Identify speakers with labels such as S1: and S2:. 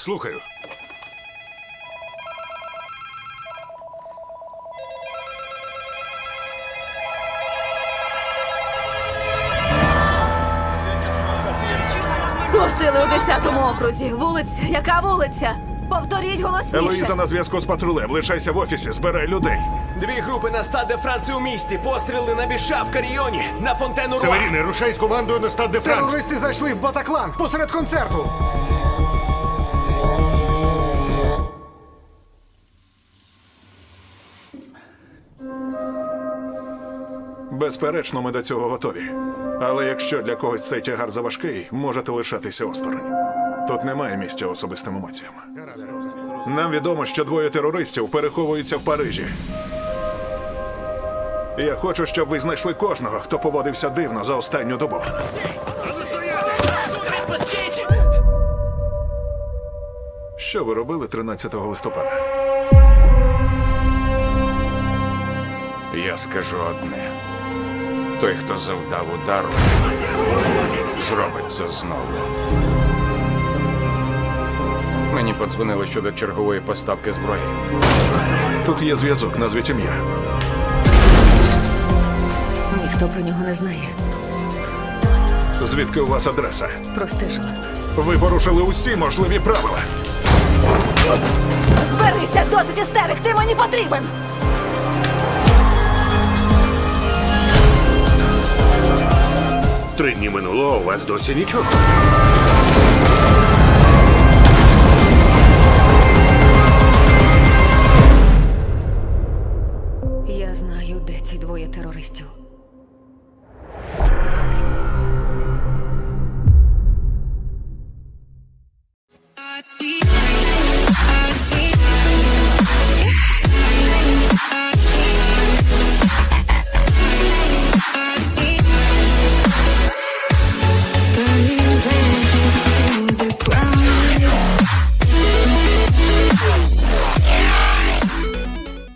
S1: Слухаю.
S2: Постріли у 10-му окрузі. Вулиця. Яка вулиця? Повторіть голосніше.
S1: Елоїза на зв'язку з патрулем. Лишайся в офісі, збирай людей.
S3: Дві групи на Стад де Франції у місті. Постріли на Біша в Каріоні, на Фонтену Руа.
S1: Северіни, рушай з командою на Стад де Франс.
S4: Терористи зайшли в Батаклан посеред концерту.
S1: Безперечно, ми до цього готові. Але якщо для когось цей тягар заважкий, можете лишатися осторонь. Тут немає місця особистим емоціям. Нам відомо, що двоє терористів переховуються в Парижі. Я хочу, щоб ви знайшли кожного, хто поводився дивно за останню добу. Що ви робили 13 листопада?
S5: Я скажу одне. Той, хто завдав удару, зробить це знову. Мені подзвонили щодо чергової поставки зброї.
S1: Тут є зв'язок, назвіть ім'я.
S2: Ніхто про нього не знає.
S1: Звідки у вас адреса?
S2: Простежила.
S1: Ви порушили усі можливі правила.
S2: Зберися, досить істерик, ти мені потрібен!
S6: Три дні минуло, а у вас досі нічого.